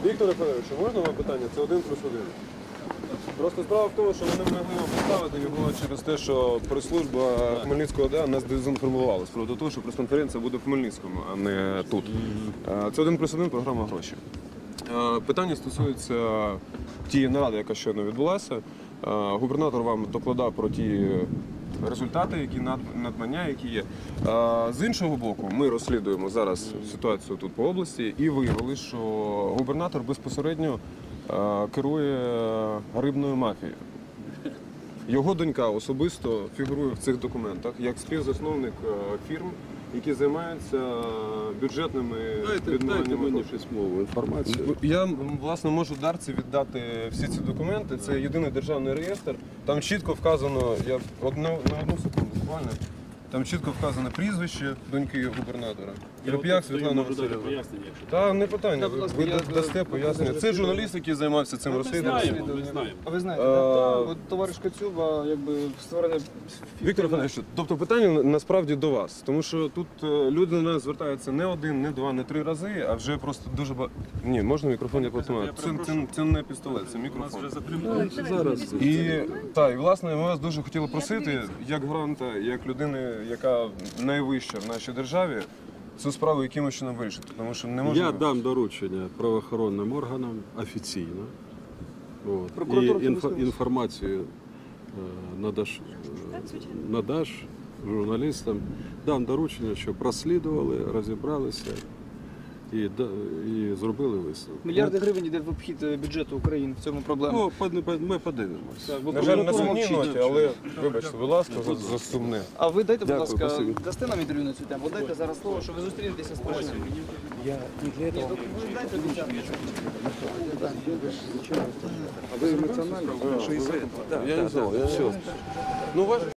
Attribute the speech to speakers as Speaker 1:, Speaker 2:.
Speaker 1: Віктор Федорович, можна вам питання? Це 1+1. Просто справа в тому, що ми не могли вам поставити його через те, що прес-служба Хмельницького ОДА нас дезінформувала з приводу того, що прес-конференція буде в Хмельницькому, а не тут. Це 1+1 програма «Гроші». Питання стосується тієї наради, яка щойно відбулася. Губернатор вам докладав про ті результати, надбання, які є. З іншого боку, ми розслідуємо зараз ситуацію тут по області і виявили, що губернатор безпосередньо керує рибною мафією. Його донька особисто фігурує в цих документах як співзасновник фірм, які займаються бюджетними відмиваннями.
Speaker 2: Дайте мені письмову інформацію.
Speaker 1: Я, власне, можу Дарці віддати всі ці документи. Це єдиний державний реєстр. Там чітко вказано, я на одну секунду буквально, там чітко вказано прізвище доньки губернатора. Реп'як Світлана Васильівна. Та не питання, ви дасте пояснення. Це журналіст, який займався цим розслідуванням.
Speaker 3: А ви знаєте, от товариш Коцюба, якби створене...
Speaker 1: Віктор Федорович, тобто питання насправді до вас, тому що тут люди до нас звертаються не один, не два, не три рази, а вже просто дуже багато... Ні, можна мікрофон я потримаю? Це не пістолет, це мікрофон.
Speaker 2: Зараз.
Speaker 1: І власне ми вас дуже хотіли просити, як гранта, як людини, яка найвища в нашій державі, цю справу якимось чином вирішити, тому що не можна...
Speaker 2: Я дам доручення правоохоронним органам офіційно. От. І інформацію надаш журналістам. Дам доручення, щоб розслідували, розібралися і зробили висновок.
Speaker 3: Мільярди гривень йде в обхід бюджету України, в цьому проблема.
Speaker 2: Ми подивимося.
Speaker 1: На жаль, на сумній ноті, але вибачте, будь ласка, за сумне.
Speaker 3: А ви дайте, будь ласка,
Speaker 2: спасибі.
Speaker 3: дасте нам інтерв'ю на цю тему? Дайте зараз слово, що ви зустрінетеся з Пашиним. Я не для этого. Дайте обіцянку.
Speaker 2: А ви емоціонально? Я не знав, я все.